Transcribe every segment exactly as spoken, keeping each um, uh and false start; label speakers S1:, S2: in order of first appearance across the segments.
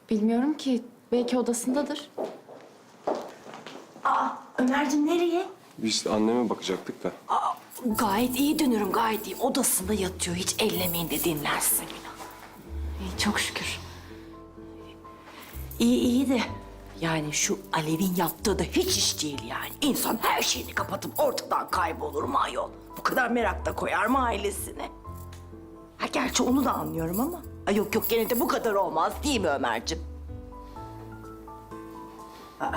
S1: Bilmiyorum ki. Belki odasındadır.
S2: Aa, Ömerciğim nereye?
S3: Biz anneme bakacaktık da.
S2: Aa, gayet iyi dönüyorum, gayet iyi. Odasında yatıyor, hiç ellemeyin de dinlensin.
S1: İyi, çok şükür.
S2: İyi iyi de yani şu Alev'in yaptığı da hiç iş değil yani. İnsan her şeyini kapatıp ortadan kaybolur mu ayol? Bu kadar merak da koyar mı ailesine? Ha gerçi onu da anlıyorum ama. Ay yok yok gene de bu kadar olmaz değil mi Ömerciğim? Aa.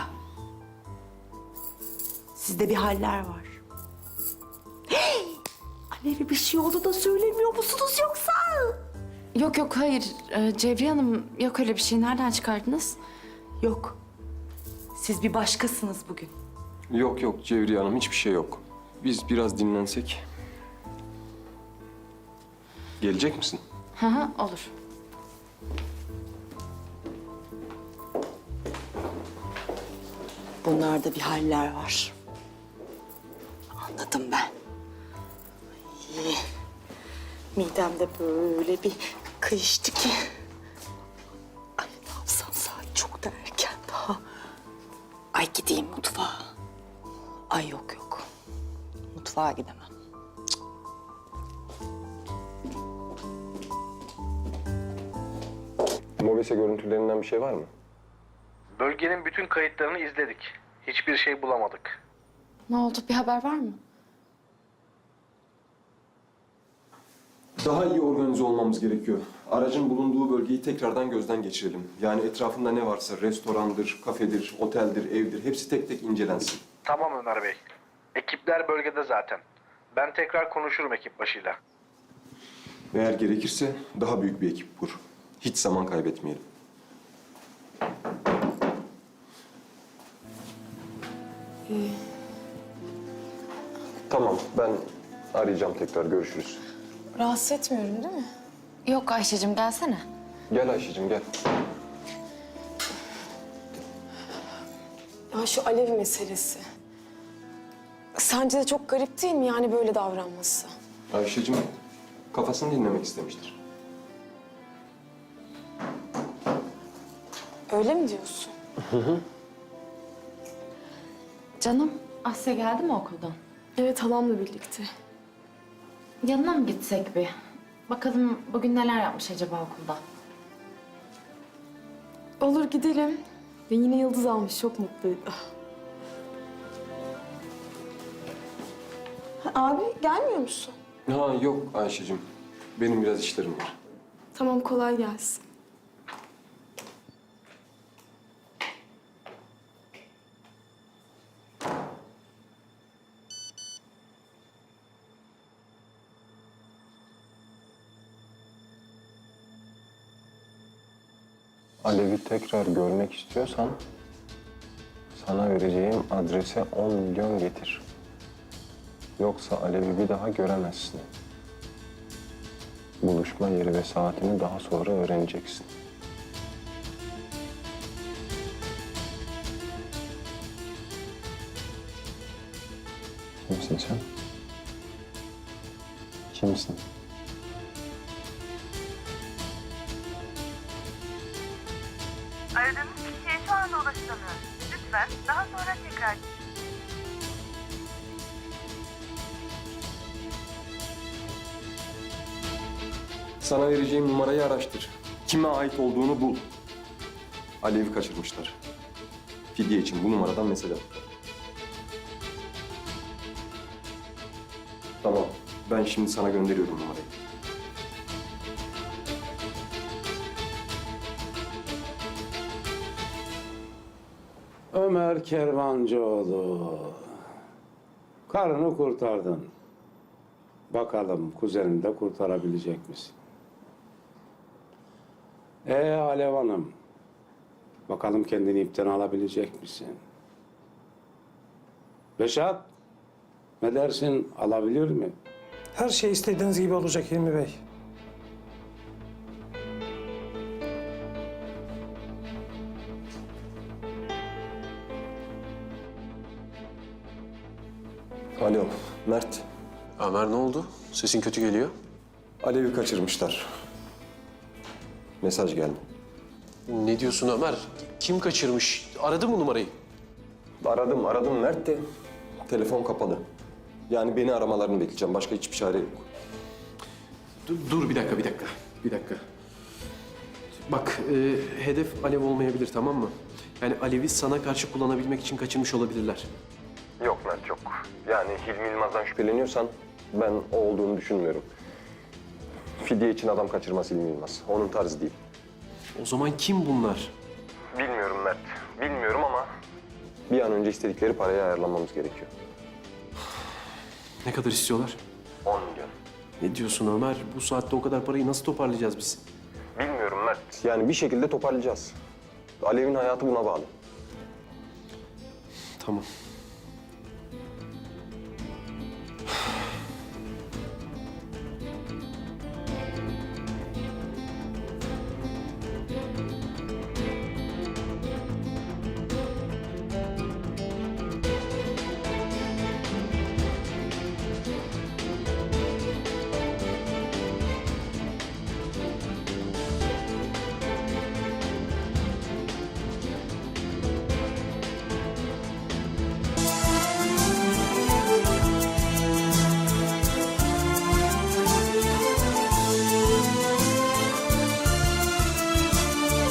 S2: Sizde bir haller var. Hey! Alev'e bir şey oldu da söylemiyor musunuz yoksa?
S1: Yok yok hayır. Ee, Cevriye Hanım yok öyle bir şey. Nereden çıkardınız?
S2: Yok. Siz bir başkasınız bugün.
S3: Yok yok Cevriye Hanım, hiçbir şey yok. Biz biraz dinlensek. Gelecek misin?
S1: Hı hı olur.
S2: Bunlarda bir haller var. Anladım ben. İyi. Midemde böyle bir kıyıştı ki. Ay ne yapsam, saat çok da erken daha. Ay gideyim mutfağa. Ay yok yok. Mutfağa gidemem.
S3: Mobese görüntülerinden bir şey var mı?
S4: Bölgenin bütün kayıtlarını izledik. Hiçbir şey bulamadık.
S1: Ne oldu? Bir haber var mı?
S3: Daha iyi organize olmamız gerekiyor. Aracın bulunduğu bölgeyi tekrardan gözden geçirelim. Yani etrafında ne varsa restorandır, kafedir, oteldir, evdir hepsi tek tek incelensin.
S4: Tamam Ömer Bey. Ekipler bölgede zaten. Ben tekrar konuşurum ekip başıyla.
S3: Eğer gerekirse daha büyük bir ekip kur. Hiç zaman kaybetmeyelim. Tamam, ben arayacağım tekrar. Görüşürüz.
S5: Rahatsız etmiyorum değil mi?
S1: Yok Ayşe'cim gelsene.
S3: Gel Ayşe'cim, gel.
S5: Ya şu Alev meselesi. Sence de çok garip değil mi yani böyle davranması?
S3: Ayşe'cim kafasını dinlemek istemiştir.
S5: Öyle mi diyorsun?
S1: Canım Asya geldi mi okuldan?
S5: Evet, halamla birlikte.
S1: Yanına mı gitsek bir? Bakalım bugün neler yapmış acaba okulda?
S5: Olur, gidelim. Ve yine yıldız almış, çok mutluydu. Ha, abi gelmiyor musun?
S3: Ha yok Ayşe'cim. Benim biraz işlerim var.
S5: Tamam, kolay gelsin.
S3: Alev'i tekrar görmek istiyorsan sana vereceğim adrese on milyon getir. Yoksa Alev'i bir daha göremezsin. Buluşma yeri ve saatini daha sonra öğreneceksin. Kimsin sen? Kimsin?
S6: Aradığınız kişiye şu anda ulaşılamıyor. Lütfen daha sonra tekrar...
S3: Sana vereceğim numarayı araştır. Kime ait olduğunu bul. Alev'i kaçırmışlar. Fidye için bu numaradan mesele. Tamam. Ben şimdi sana gönderiyorum numarayı.
S7: Ömer Kervancıoğlu. Karını kurtardın. Bakalım kuzenini de kurtarabilecek misin? Ee Alev Hanım. Bakalım kendini ipten alabilecek misin? Reşat. Ne dersin? Alabilir mi?
S8: Her şey istediğiniz gibi olacak Hilmi Bey.
S3: Alo, Mert.
S9: Ömer ne oldu? Sesin kötü geliyor.
S3: Alev'i kaçırmışlar. Mesaj geldi.
S9: Ne diyorsun Ömer? Kim kaçırmış? Aradı mı numarayı?
S3: Aradım, aradım Mert de telefon kapalı. Yani beni aramalarını bekleyeceğim. Başka hiçbir çare yok.
S9: Dur, dur bir dakika, bir dakika. Bir dakika. Bak, e, hedef Alev olmayabilir, tamam mı? Yani Alev'i sana karşı kullanabilmek için kaçırmış olabilirler.
S3: Yok Mert yok. Yani Hilmi Yılmaz'dan şüpheleniyorsan ben o olduğunu düşünmüyorum. Fidye için adam kaçırmaz Hilmi Yılmaz. Onun tarzı değil.
S9: O zaman kim bunlar?
S3: Bilmiyorum Mert. Bilmiyorum ama bir an önce istedikleri parayı ayarlamamız gerekiyor.
S9: Ne kadar istiyorlar?
S3: on milyon.
S9: Ne diyorsun Ömer? Bu saatte o kadar parayı nasıl toparlayacağız biz?
S3: Bilmiyorum Mert. Yani bir şekilde toparlayacağız. Alev'in hayatı buna bağlı.
S9: Tamam.